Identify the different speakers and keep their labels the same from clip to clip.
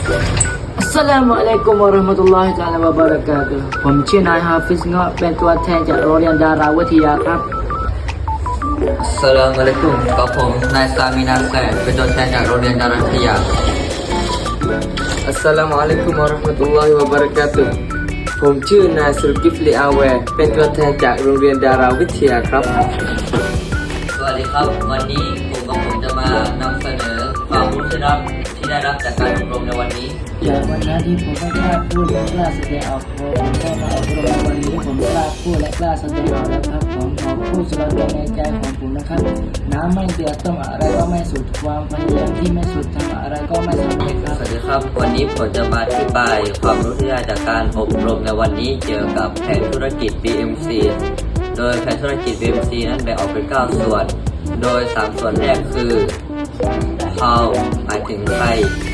Speaker 1: อัสสลามุอะลัยกุมวะเราะห์มะตุลลอฮิตะอาลาวะบะเราะกาตุฮ์ผมชื่อนายฮาฟิซเงาะเป็นตัวแทนจากโรงเรียนดาราวิทยาครับ
Speaker 2: อัสสลามุอะลัยกุมกับผมนายซามินาแซดเป็นตัวแทนจากโรงเรียนดาราวิทยา
Speaker 3: อัสสลามุอะลัยกุมวะเราะห์มะตุลลอฮิวะบะเราะกาตุฮ์ผมชื่อนายสุรกิฟลีอาแวร์เป็นตัวแทนจากโรงเรียนดาราวิทยาครับ
Speaker 2: สวัสดีครับวันนี้ผมจะมานำเสนอความรู้ที่ได้รับจากการอบรมในวันนี้
Speaker 1: จากวันนั้นที่ผมไม่กล้าพูดและกล้าแสดงออกพอผมได้มาอบรมในวันนี้ผมกล้าพูดและกล้าแสดงออกแล้วครับผมขอพูดสุดตัวในใจของผมนะครับน้ำไม่เดือดต้มอะไรก็ไม่สุดความพยายามที่ไม่สุดทำอะไรก็ไม่สำเร็จครับ
Speaker 2: สวัสดีครับวันนี้ผมจะมาอธิบายความรู้ที่ได้จากการอบรมในวันนี้เกี่ยวกับแผนธุรกิจ BMC โดยแผนธุรกิจ BMC นั้นแบ่งออกเป็น9ส่วนโดย3ส่วนแรกคือ how หมายถึงใคร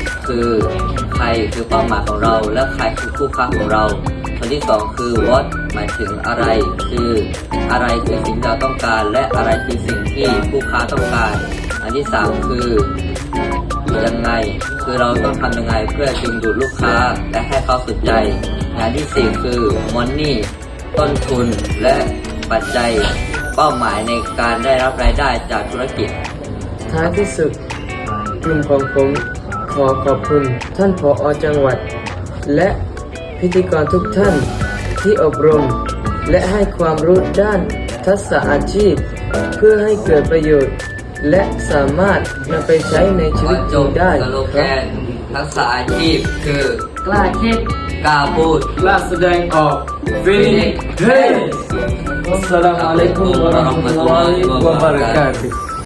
Speaker 2: คือเป้าหมายของเราและใครคือคู่ค้าของเราส่วนที่2คือ what หมายถึงอะไรคืออะไรคือสิ่งที่เราต้องการและอะไรคือสิ่งที่คู่ค้าต้องการอันที่3คือยังไงคือเราต้องทำยังไงเพื่อดึงดูดลูกค้าและให้เขาสนใจงานที่4คือ money ต้นทุนและปัจจัยเป้าหมายในการได้รับรายได้จากธุรกิจ
Speaker 3: ท้ายที่สุดกลุ่มของผมขอขอบคุณท่านผอ.จังหวัดและพิธีกรทุกท่านที่อบรมและให้ความรู้ด้านทักษะอาชีพเพื่อให้เกิดประโยชน์และสามารถนำไปใช้ในชีวิตจริงได้
Speaker 2: สโล
Speaker 3: ค
Speaker 2: แก
Speaker 3: รับ
Speaker 2: นทักษะอาชีพคือก
Speaker 1: ล้าคิด
Speaker 2: กล้าพูด
Speaker 3: กล้าแสดงออกวินิจเฮ้อัสสลามุอะลัยกุมวะเราะห์มะตุลลอฮิวะบะเราะกาตุฮ์